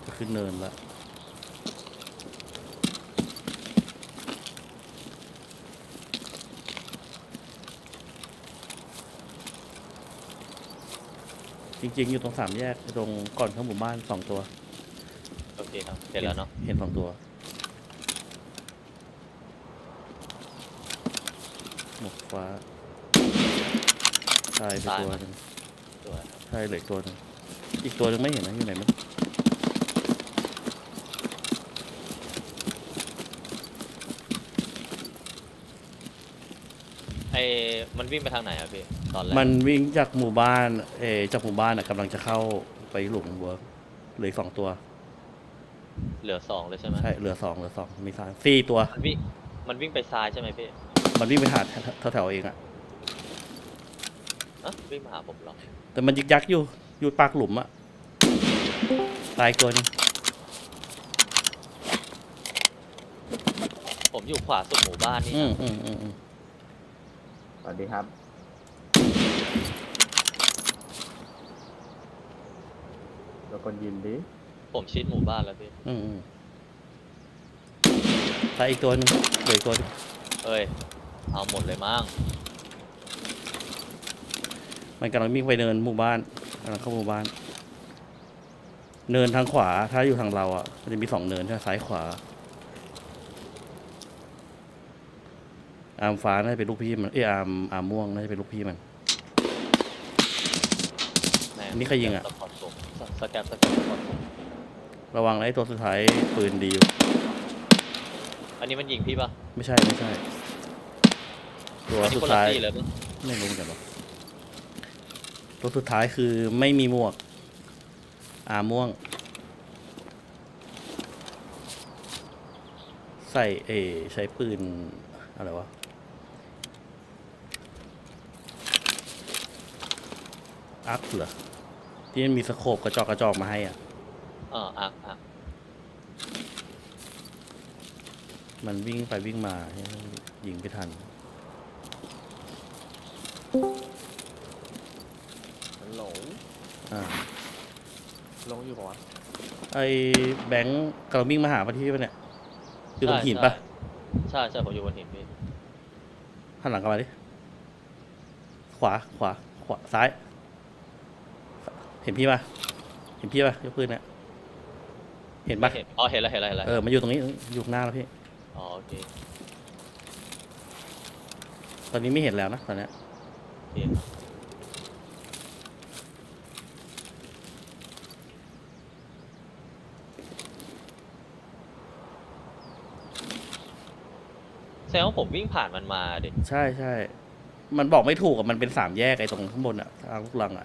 ขึ้นเนินละจริงๆอยู่ตรง3 แยกตรงก่อนเข้าหมู่บ้าน2 ตัวโอเคครับเห็นแล้วเนาะเห็น2 ตัวหมวกฟ้าตายไปตัวหนึ่งสวยครับใช่เหลือตัวหนึ่งอีกตัวหนึงไม่เห็นนะอยู่ไหนมั้งมันวิ่งไปทางไหนอะพี่ตอนแรกมันวิ่งจากหมู่บ้านจากหมู่บ้านกำลังจะเข้าไปหลุมเวิร์กเหลืออก2 ตัวเหลือ2เลยใช่ไหมใช่เหลือ2มี4 ตัวมันวิ่งไปซ้ายใช่ไหมพี่มันวิ่งไปหาแถวๆเองอะวิ่งมาหาผมเหรอแต่มันยึกยักอยู่ปากหลุมอะตายตัวหนึงผมอยู่ขวาสุดหมู่บ้านนี่อืมนะอืมสวัสดีครับเราคนยินดิผมชิดหมู่บ้านแล้วพี่อืมตายอีกตัวหนึงเหลืออีกตัวหนึงเอ้ยเอาหมดเลยมั้งมันกำลังวิ่งไปเนินหมู่บ้านกำลังเข้าหมู่บ้าน เนินทางขวาถ้าอยู่ทางเราอ่ะมันจะมี2 เนินใช่ไหมซ้ายขวาอาร์มฟ้าน่าจะเป็นลูกพี่มันอาร์มม่วงน่าจะเป็นลูกพี่มันแม่นี่ใครยิงอะสปอร์ตผมสแกปสปอร์ตผมระวังนะไอ้ตัวสุดท้ายปืนดีอยู่อันนี้มันยิงพี่ปะไม่ใช่ตัวอันนี้สุคดนละท้ายตีเลยปะไม่รู้เหมือนกันหรอกตัวสุดท้ายคือไม่มีหมวกอาร์มม่วง ใส่ใช้ปืนอะไรวะอัพเหรอที่มันมีสโคปกระจอกมาให้อ่ะอ่ะมันวิ่งไปวิ่งมายิงไม่ทันมันหลงอ่าหลงอยู่ปะวะไอ้แบงค์กำลังวิ่งมาหาปะที่ปะเนี่ยอยู่ตรงหินปะใช่ผมอยู่บนหินพี่หันหลังกลับมาดิขวาซ้าย เห็นพี่ปะยกปืนเนี่ยเห็นปะเห็นเห็นแล้วมันอยู่ตรงนี้อยู่ข้างหน้าแล้วพี่อ๋อโอเคตอนนี้ไม่เห็นแล้วนะตอนเนี้ยโอเคครับแสดงว่าผมวิ่งผ่านมันมาดิใช่มันบอกไม่ถูกอ่ะมันเป็น3 แยกไอ้ตรงข้างบนอ่ะทางลูกรังอ่ะ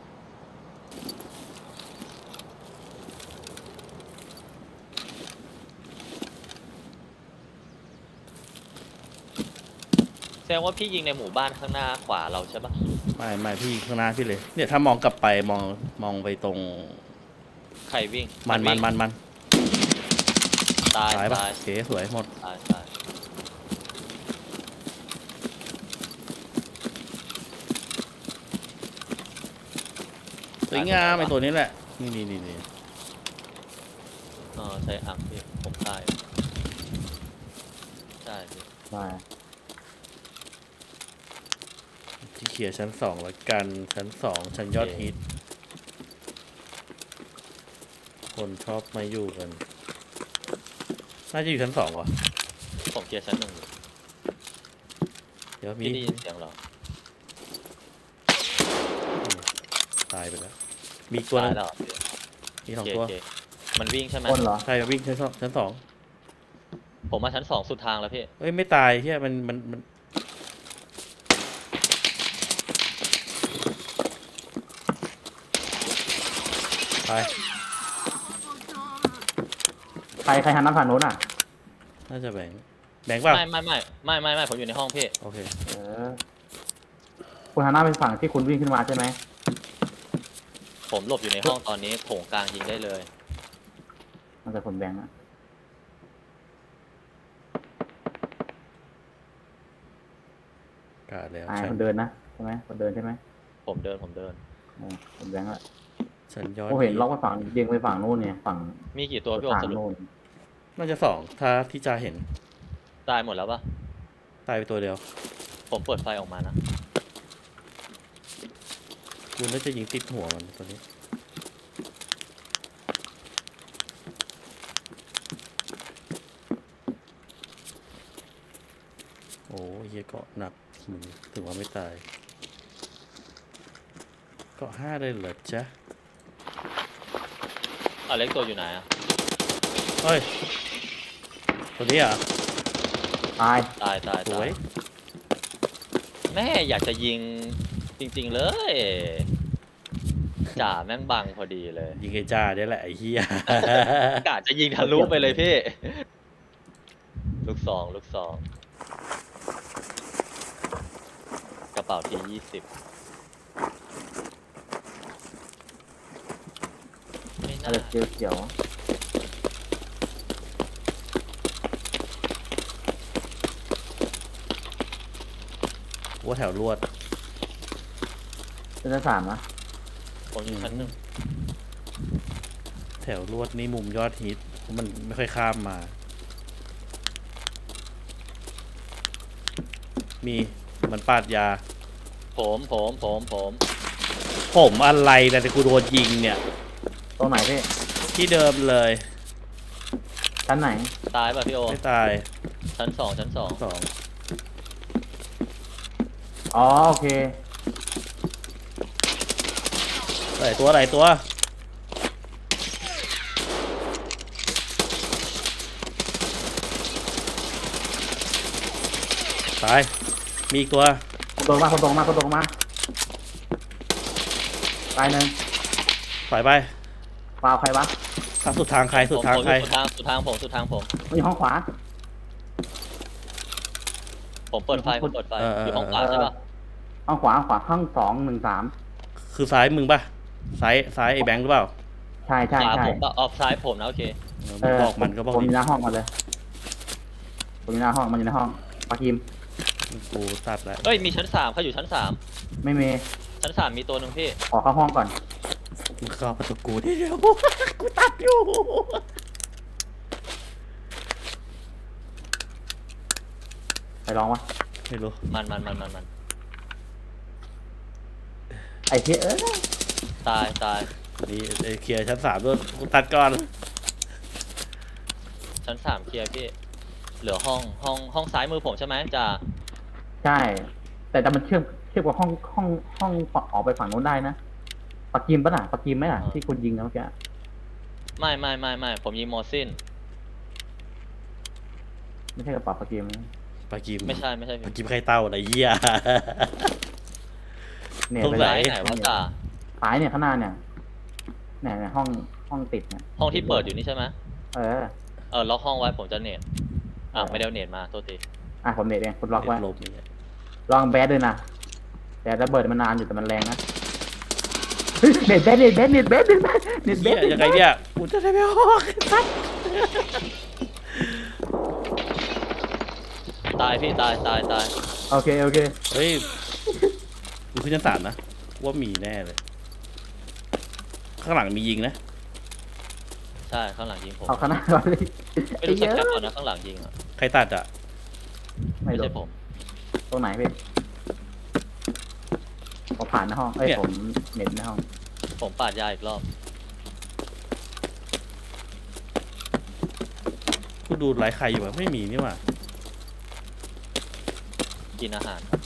แสดงว่าพี่ยิงในหมู่บ้านข้างหน้าขวาเราใช่ปะไม่พี่ข้างหน้าพี่เลยเนี่ยถ้ามองกลับไปมองไปตรงใครวิ่งมันวิ่งตายซ้ายปะตายโอเคสวยหมดตายสวยงามไอ้ตัวนี้แหละนี่ใช้อังพี่ผมตายใช่พี่มาที่เขียร์ชั้น 2แล้วกันชั้น 2ชั้นยอดฮิตคนชอบมาอยู่กันน่าจะอยู่ชั้น 2วะผมเคลียร์ชั้น 1อยู่เดี๋ยวมีพี่ได้ยินเสียงเหรอตายไปแล้วมีอีกตัวหนึตายงแล้วเหรอพี่มีโอเค 2 ตัวโอเคมันวิ่งใช่ไหมคนเหรอใช่วิ่งชั้น 2 ผมมาชั้น 2สุดทางแล้วพี่เอ้ยไม่ตายเฮียมันตายใครหันน้ำผ่านโน้นอ่ะน่าจะแบงค์เปล่าไม่ผมอยู่ในห้องพี่โอเคเออคุณหันหน้าไปฝั่งที่คุณวิ่งขึ้นมาใช่ไหมผมหลบอยู่ในห้องตอนนี้โถงกลางยิงได้เลยมันจะผลแบงค์อะกาดแล้วอ่าใช่คนเดินนะใช่ไหมคนเดินใช่ไหมผมเดินผลแบงค์อะสัญญาณผมเห็นล็อกไปฝั่งยิงไปฝั่งนู้นเนี่ยฝั่งมีกี่ตัวพี่โอทางสรุปนู้นน่าจะ2ถ้าที่จะเห็นตายหมดแล้วปะตายไปตัวเดียวผมเปิดไฟออกมานะกูน่าจะยิงติดหัวมันตัวนี้โอ้ยเหี้ยเกาะหนักมึงถึงว่าไม่ตายเกาะ5เลยเหรอจ๊ะอเล็กตัวอยู่ไหนอะเฮ้ยตัวนี้เหรอ่ะตายตายตายสตาวยยแม่อยากจะยิงจริงๆเลยจ่าแม่งบังพอดีเลยยิงไอ้จ้าได้แหละไอ้เหี้ยกะจะยิงทะลุไปเลยพี่ ลูกซองลูกซองกระเป๋าที20ไม่อะน่าไรเขียวว่าแถวลวดๆเป็นสามนะผมอยู่ชั้นหนึ่งแถวลวดนี่มุมยอดฮิตเพราะมันไม่ค่อยข้ามมา มีมันปาดยา ผมอะไรนะแต่กูโดนยิงเนี่ยตรงไหนพี่ที่เดิมเลยชั้นไหนตายป่ะพี่โอไม่ตายชั้นสองชั้นสอง 2 อ๋อโอเคหลายตัวหลายตัวตายมีอีกตัวคนตรงมาตายหนึ่งถอยไปฟาวใครวะทางสุดทางใครสุดทางใครสุดทางผมมันอยู่ห้องขวาผมเปิดไฟอยู่ห้องขวาใช่ป่ะห้องขวาห้อง213 คือซ้ายมึงป่ะซ้ายไอ้แบงค์หรือเปล่าใช่ขวาผมป่ะออฟซ้ายผมนะโอเคมึงบอกมันก็บอกผมอดิยู่หน้าห้องมาเลยผมอยู่หน้าห้องมันอยู่ในห้องปากิมกูตัดแล้วเอ้ยมีชั้น3เขาอยู่ชั้นไม่มี 3ชั้น3มีตัวหนึ่งพี่ขอเข้าห้องก่อนมึงเข้าประตูกูเดี๋ยว กูตัดอยู่ไปลองวะไม่รู้มันไอ้เหี้ยตายนี่ไอ้เคลียร์ชั้น3ด้วยกูตัดก่อนชั้น3เคลียร์พี่เหลือห้องซ้ายมือผมใช่ไหมจ่าใช่ แต่มันเชื่อมกับห้องออกไปฝั่งโน้นได้นะปากิมปะน่ะปากิมไหมน่ะที่คุณยิงนะเมื่อกี้ไม่ผมยิงโมซินไม่ใช่กระเป๋าปากิมนะปากิมไม่ใช่ปากิมใครเต้าอะไรเหี้ยเนี่ยตรงไปไหนไหนวะจ่าซ้ายเนี่ยข้างหน้าเนี่ยห้องติดเนี่ยห้องที่เปิดอยู่นี่ใช่ไหมเออล็อกห้องไว้ผมจะเน็ตไม่ได้เอาเน็ตมาโทษทีผมเน็ตเองคุณล็อกไว้ลบอย่างเงี้ยลองแบดด้วยนะแต่ระเบิดมันนานอยู่แต่มันแรงนะเฮ้ยเน็ตแบดเหี้ยยังไงเนี่ยกูจะได้ไม่ออกครับตายพี่ตายโอเคเฮ้ยกูขึ้นชั้น3นะว่ามีแน่เลย ข้างหลังมียิงนะใช่ข้างหลังยิงผมเอาข้างหน้าก่อนเลยไม่รู้เช็คแคปก่อนนะข้างหลังยิงอ่ะใครตัดอ่ะไม่ไม่รู้ใช่ผมตรงไหนพี่ผมผ่านในห้องผมเน็ตในห้องผมปาดยาอีกรอบกูดูไลฟ์ใครอยู่อะไม่มีนี่หว่ากินอาหารครับ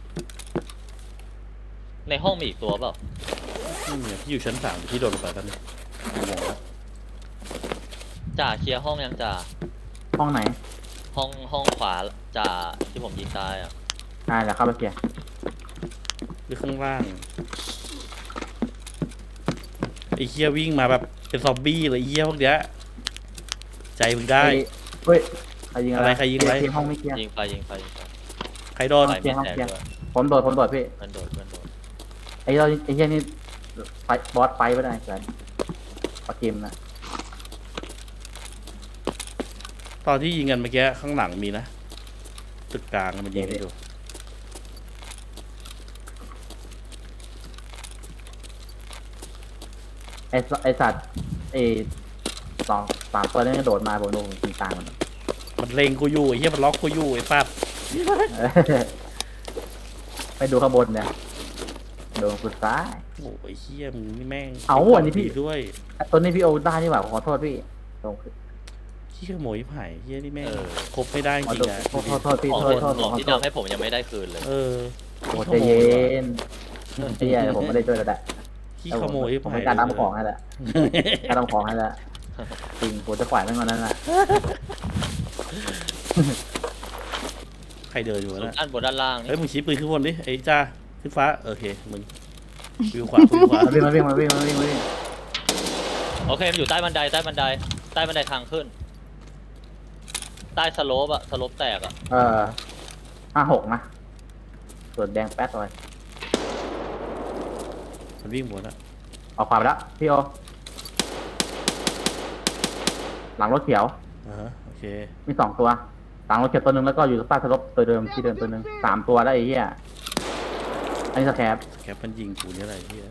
ในห้องมีอีกตัวเปล่าไม่มีอะพี่อยู่ชั้น3พี่โดนลงไปตอนนี้กูมองแล้วจ่าเคลียร์ห้องยังจ่าห้องไหนห้องขวาจ่าที่ผมยิงตายอ่ะเดี๋ยวเข้าไปเกียร์หรือข้างล่างไอ้เหี้ยวิ่งมาแบบเป็นซอมบี้เลยไอ้เหี้ยพวกเนี้ยใจมึงได้เฮ้ยใครยิงอะไรใครยิงอะไรเกียร์ห้องไม่เกียร์ยิงไฟใครโดนไฟไม่แตกเกียร์ด้วยผมโดดพี่เพื่อนโดดไอ้เหี้ยนี่ไฟบอสไฟไม่ได้เลยปากิมนะตอนที่ยิงกันเมื่อกี้ข้างหลังมีนะตึกกลางมันยิงกันอยู่ไอสัตว์ไอสองสามตัวนี้กระโดดมาผมโดนยิงตายหมดมันเลงกูอยู่ไอ้เหี้ยมันล็อกกูอยู่ไอ้สัตว์ไปดูข้างบนเนี่ยโดนกูซ้ายโอ้ยเหี้ยมึงนี่แม่งเอ้าอันนี้พี่ดีด้วยตัวนี้พี่โอได้นี่หว่าขอโทษพี่ตรงเหี้ยขโมยไผ่เหี้ยนี่แม่งเออครบไม่ได้จขอริโทงษๆอะโทษพี่ของโทษโทษของขอที่โทษทำให้ผมยังไม่ได้คืนเลยเออโอ้ใจเย็นไอ้เหี้ยผมไม่ได้ช่วยแล้วแหละขี้ขโมยผมไผ่เป็นการนำของให้แหละการนำของให้แหละจริงผมจะปล่อยมันก่อนนั้นแหละใครเดินอยู่วะส่วนนะด้านบนด้านล่างเฮ้ยนี่มึงชี้ปืนขึ้นบนดิไอ้จ้าขึ้นฟ้าโอเคมึงวิวขวาวิวขวามาวิ่งโอเคมันอยู่ใต้บันไดใต้บันไดใต้บันไดทางขึ้น ใต้สโลปอะสโลปแตกอะ 56นะส่วนแดงแป๊ดเลยมันวิ่งหมดอะออกขวาไปแล้วพี่โอหลังรถเขียวอ่าฮะโอเคมี2ตัวหลังรถเขียวตัวหนึ่งแล้วก็อยู่ใต้สลบตัวเดิมที่เดิมตัวหนึ่ง3ตัวได้ไอ้เหี้ยอันนี้สแครปแคปมันยิงกูเนี่ยอะไรเหี้ย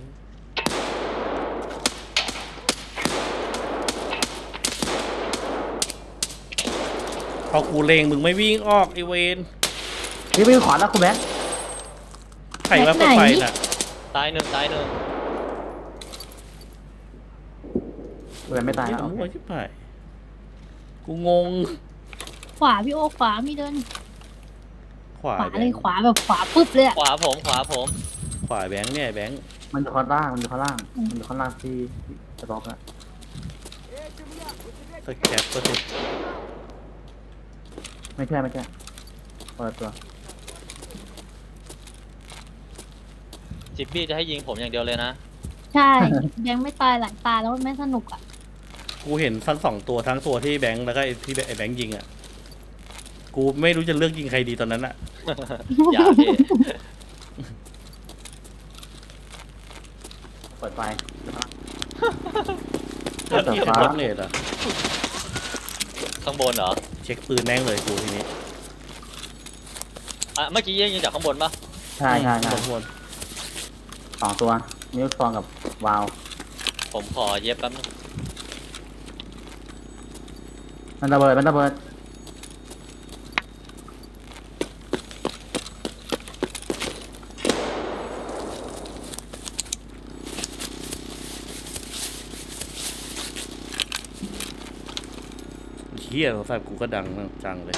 พอกูเลงมึงไม่วิ่งออกไอเวนพี่วิ่งขวาแล้วคุณแม่ใครว่าเปิดไฟน่ะตายหนึ่งตายหนึ่งคุณแม่ไม่ตายเหี้แล้วโอมั่วเคชิบหายกูงงขวาพี่โอขวามีเดินขวาขวาแบเลงยค์ขวาแบบขวาปุ๊บเลยอะขวาผมขวาผมขวาแบงค์เนี่ยแบงค์มันอยู่ข้างล่างมันอยู่ข้างล่างที่สต็อกอะสแคปก็สิไม่ใช่คนละตัวจิบบี้จะให้ยิงผมอย่างเดียวเลยนะใช่ยังไม่ตายหลายตาแล้วมันไม่สนุกอ่ะกูเห็นทั้งสองตัวทั้งตัวที่แบงค์แล้วก็ไอ้ที่ไอ้แบงค์ยิงอ่ะกูไม่รู้จะเลือกยิงใครดีตอนนั้นอ่ะอย่าพี่เปิดไฟเปิดเปิดเช็คฟ้ารถเลทอ่ะข้างบนเหรอเช็คปืนแม่งเลยกูทีนี้อ่ะเมื่อกี้ยิงจากข้างบนปะใช่วน 2ตัวนิ้วซองกับวาล์วผมขอเย็บแป๊บนึงมันระเบิดเฮียโทรศัพท์กูก็ดังจังเลย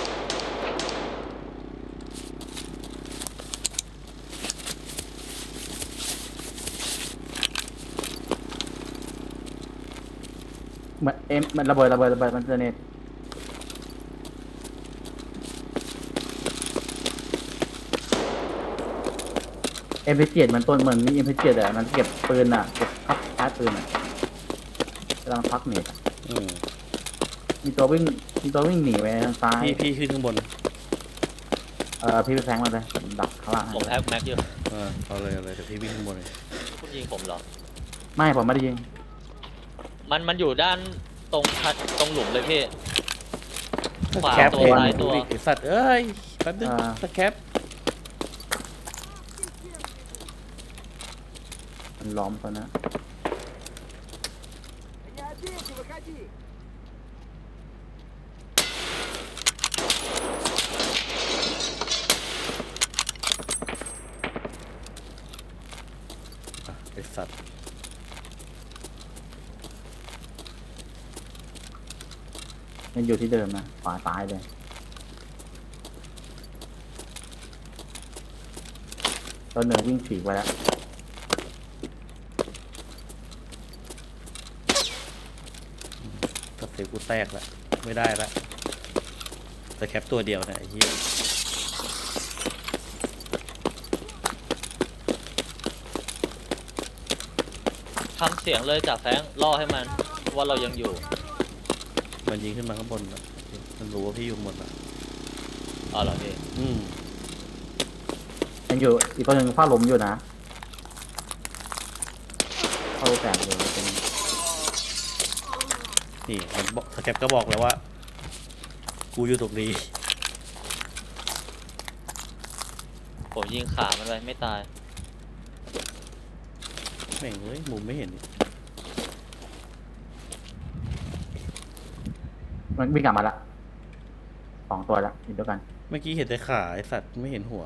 มันระเบิดมันเจเนตMP7มันต้นเหมือนมี MP7อ่ะมันเก็บปืนอ่ะเก็บพักชาร์จปืนอ่ะกำลังพักเน็ตอะอืมมีตัววิ่งหนีไปทางซ้ายพี่ขึ้นข้างบนพี่ไปแทงมันเลยดักข้างล่างผมแพ็คแม็กอยู่เอาเลยเดี๋ยวพี่วิ่งข้างบนเลยคุณยิงผมเหรอไม่ผมไม่ได้ยิงมันอยู่ด้านตรงทัดตรงหลุมเลยพี่ ขวาแคปตัวเองซ้ายตัวไอสัตว์เอ้ยแป๊บนึงสแคปมันล้อมตัวนะไอสัตว์มันอยู่ที่เดิมนะขวาซ้ายเลยตัวหนึ่งวิ่งฉีกไปแล้วสเตปกูแตกละไม่ได้ละสแคปตัวเดียวนะไอ้เหี้ยทำเสียงเลยจากแฟงล่อให้มันว่าเรายังอยู่มันยิงขึ้นมาข้างบนละมันรู้ว่าพี่อยู่ข้างบนละอ๋อเหรอพี่อืมยังอยู่อีกตัวหนึ่งฝ้าหลมอยู่นะเข้าแตกเลยเป็นนี่มันบอกสแคปก็บอกแล้วว่า กูอยู่ตรงนี้ผมยิงขามันไปไม่ตายแม่งเอ้ยมุมไม่เห็นนี่มันวิ่งกลับมาละ2 ตัวละอยู่ด้วยกันเมื่อกี้เห็นแต่ขาไอสัตว์ไม่เห็นหัว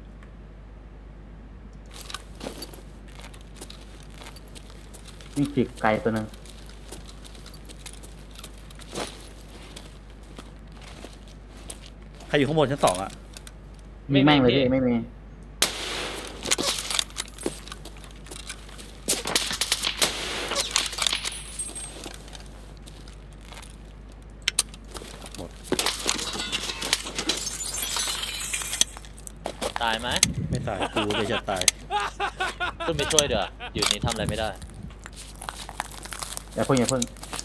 วิ่งจิกไกลตัวหนึ่งใครอยู่ข้างบนชั้น 2อะมีแม่งเลยพี่ไม่มีตายไหมไม่ตายกูเลยจะตายขึ้นไปช่วยเดี๋ยวอยู่นี่ทำอะไรไม่ได้อย่าเพิ่ง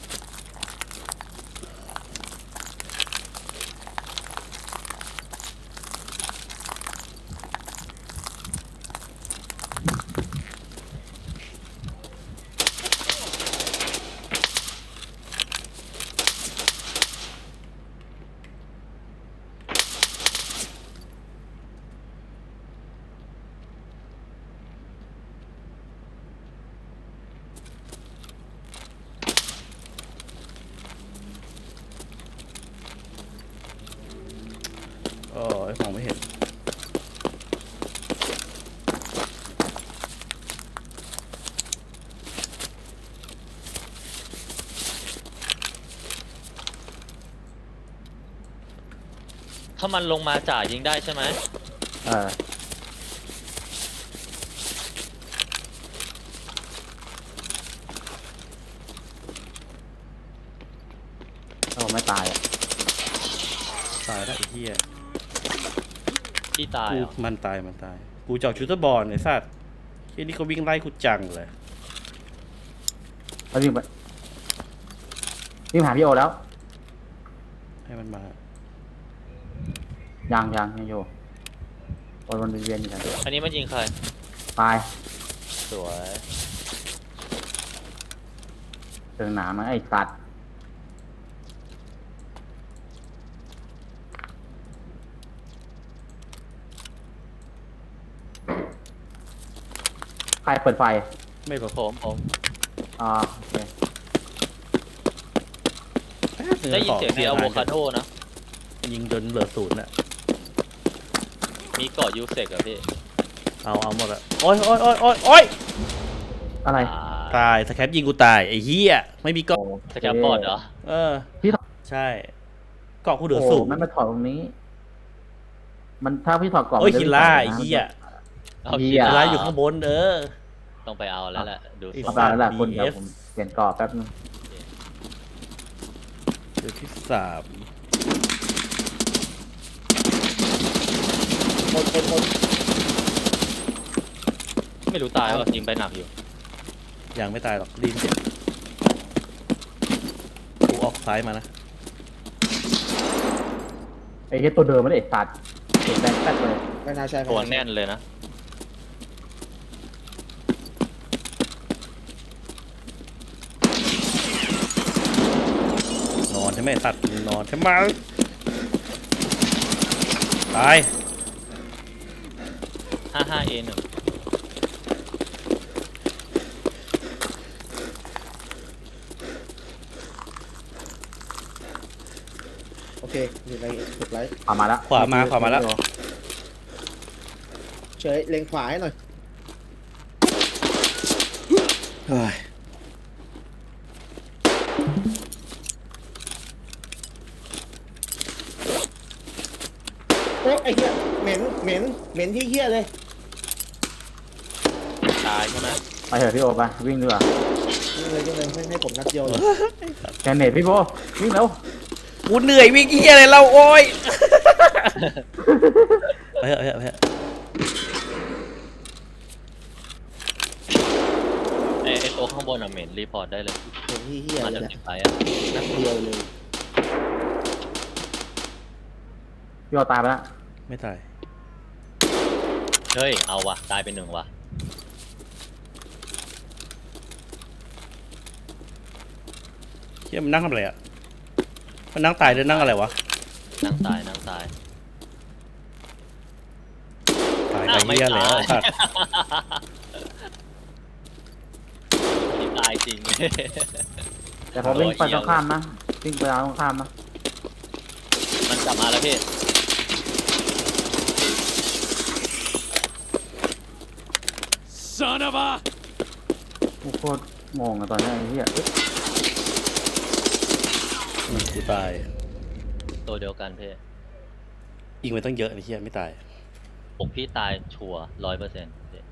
อ๋อไอ้มองไม่เห็นถ้ามันลงมาจ่ายิงได้ใช่ไหมเออถ้าผมไม่ตายอ่ะตายแล้วไอ้เหี้ยพี่ตายกูเหรอมันตายกูเจาะชูเตอร์บอลไอ้สัตว์เหี้ยนี่เขาวิ่งไล่กูจังเลยแล้ววิ่งไปวิ่งหาพี่โอแล้วให้มันมายังอยู่วนเวียนอยู่นะอันนี้มันยิงใครตายสวยเจอหนามาไอ้สัตว์ใครเปิดไฟไม่หรอกผมโอเคได้ยินเสียงในอะโวคาโดนะยิงจนเหลือศูนย์อะมีเกาะยูเซกอะพี่เอาหมดอะโอ้ยอะไรตายสแคปยิงกูตายไอ้เหี้ยไม่มีเกาะสแกปบอร์ดเหรอเออพี่ถอดใช่เกาะกูเหลือโอ้ศูนย์มันมาถอดตรงนี้ มันถ้าพี่ถอดกล่องโอ้ยมันจะคิลล่าไม่ไอ้ถอดนะเหี้ยเอาเหี้คิยดคิลว่าล่าอยู่ข้างบนต้องไปเอาแล้วแหละ ดูไอ้ทรเอางไปแล้วแหละคุณ BF เดี๋ยวผมเปลี่ยนกรอบแป๊บนึงเดี๋ยวที่ 3 ไม่รู้ตายว่ายิงไปหนักอยู่ยังไม่ตายหรอกรีบเจ็บกูออกซ้ายมานะไอ้เหี้ยตัวเดิมไม่ได้ไอ้สัตว์เก็บแบงค์แป๊บเลยไม่น่าใช่ตัวแน่นเลยนะนอนใช่ไหมตัดนอนใช่ไหมตาย 55A1 โอเคอยู่ในถูกไลท์ขวามาแล้วขวามาแล้วเฉยเล็งขวาให้หน่อยเฮ้ยโอ้ไอ้เหี้ยเหม็นที่เหี้ยเลยตายใช่ไหมไปเถอะพี่โอไปวิ่งดีกว่ายิงเลยให้ผมนัดเดียวเลยแกนเนตพี่โบวิ่งเร็วกูเหนื่อยวิ่งเหี้ยอะไรเราโอ้ยไปเถอะไอ้ตัวข้างบนอะเหม็นรีพอร์ตได้เลยเหม็นที่เหี้ยมันเลจะยนะติดไปอะนัดเดียวเลยพี่โอตายไปแล้วไม่ตายเฮ้ย เอาว่ะ ตายไป1ว่ะเหี้ยมันนั่งทำอะไรอ่ะมันนั่งตายหรือนั่งอะไรวะนั่งตายตายอ้าวไปเหี้ยแล้วไม่ตายสัตว์นี่ตายจริงแต่พอวิ่งไปตรงข้ามนะวิ่งไปทางตรงข้ามนะแล้วพี่กูโคตรมองอะตอนนี้ไอ้เหี้ยเอ๊ะกูตายตัวเดียวกันพี่ยิงไปตั้งเยอะไอ้เหี้ยไม่ตายผมพี่ตายชัวร์100%พี่